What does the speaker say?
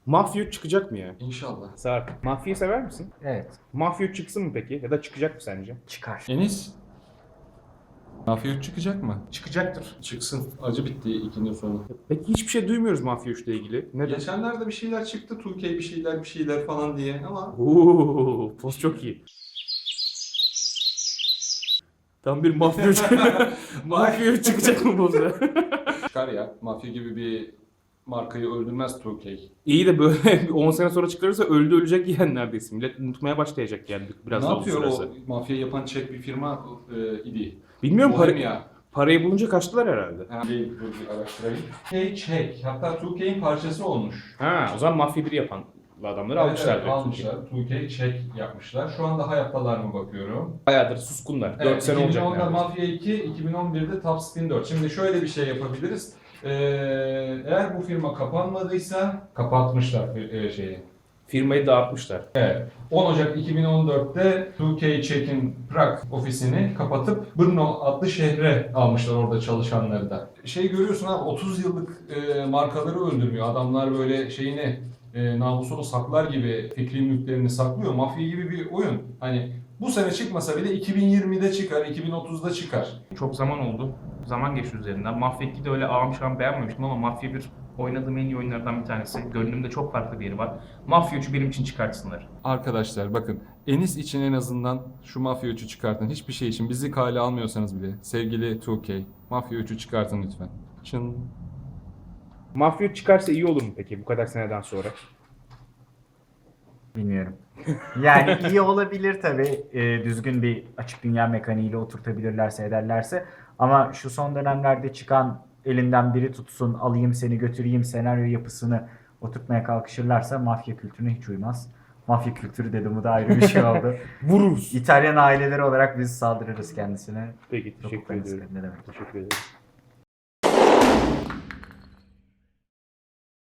Mafya 3 çıkacak mı ya? İnşallah. Sarp. Mafyayı sever misin? Evet. Mafya 3 çıksın mı peki? Ya da çıkacak mı sence? Çıkar. Enis. Mafya 3 çıkacak mı? Çıkacaktır. Çıksın. Acı bitti ikinin sonu. Peki hiçbir şey duymuyoruz Mafya 3 ile ilgili. Neden? Geçenlerde bir şeyler çıktı. 2K bir şeyler falan diye ama Ooo, post çok iyi. Tam bir mafya 3. Mafya 3 çıkacak mı posta? çıkar ya. Mafya gibi bir markayı öldürmez 2K. İyi de böyle 10 sene sonra çıkarırsa ölecek yani neredeyse. Millet unutmaya başlayacak yani biraz Ne daha yapıyor uzun o sürerse. mafya yapan Çek bir firma idi. Bilmiyorum Bohemia. parayı bulunca kaçtılar herhalde. Dur bir araştırayım. 2K Çek. Hatta 2K'in parçası olmuş. Ha, o zaman Mafya 1'i yapan adamları almışlar. Evet, almışlar. 2K Çek yapmışlar. Şu anda hayattalar mı bakıyorum. Bayağıdır suskunlar. 4 Evet, sene olacak 2010'da neredeyse. Mafya 2, 2011'de Top Spin 4. Şimdi şöyle bir şey yapabiliriz. Eğer bu firma kapanmadıysa kapatmışlar şeyi. Firmayı dağıtmışlar. 10 Ocak 2014'te 2K Czech'in Prag ofisini kapatıp Brno adlı şehre almışlar orada çalışanları da. Şey görüyorsun abi 30 yıllık markaları öldürmüyor. Adamlar böyle şeyini namusunu saklar gibi fikri mülklerini saklıyor. Mafya gibi bir oyun. Hani bu sene çıkmasa bile 2020'de çıkar, 2030'da çıkar. Çok zaman oldu. Zaman geçti üzerinden. Mafya 2'de öyle ağam şu an beğenmemiştim ama Mafya 1 oynadığım en iyi oyunlardan bir tanesi. Gönlümde çok farklı bir yeri var. Mafya 3'ü benim için çıkartsınlar. Arkadaşlar bakın Enis için en azından şu Mafya 3'ü çıkartın. Hiçbir şey için bizi kale almıyorsanız bile sevgili 2K Mafya 3'ü çıkartın lütfen. Çın. Mafya 3 çıkarsa iyi olur mu peki bu kadar seneden sonra? Bilmiyorum. Yani iyi olabilir tabii. Düzgün bir açık dünya mekaniğiyle oturtabilirlerse ederlerse. Ama şu son dönemlerde çıkan elinden biri tutsun, alayım seni götüreyim senaryo yapısını oturtmaya kalkışırlarsa mafya kültürüne hiç uymaz. Mafya kültürü dedim bu da ayrı bir şey oldu. Vururuz. İtalyan aileleri olarak biz saldırırız kendisine. Peki teşekkür Topuklarını ederim. sıkarım, ne demek. Teşekkür ederim.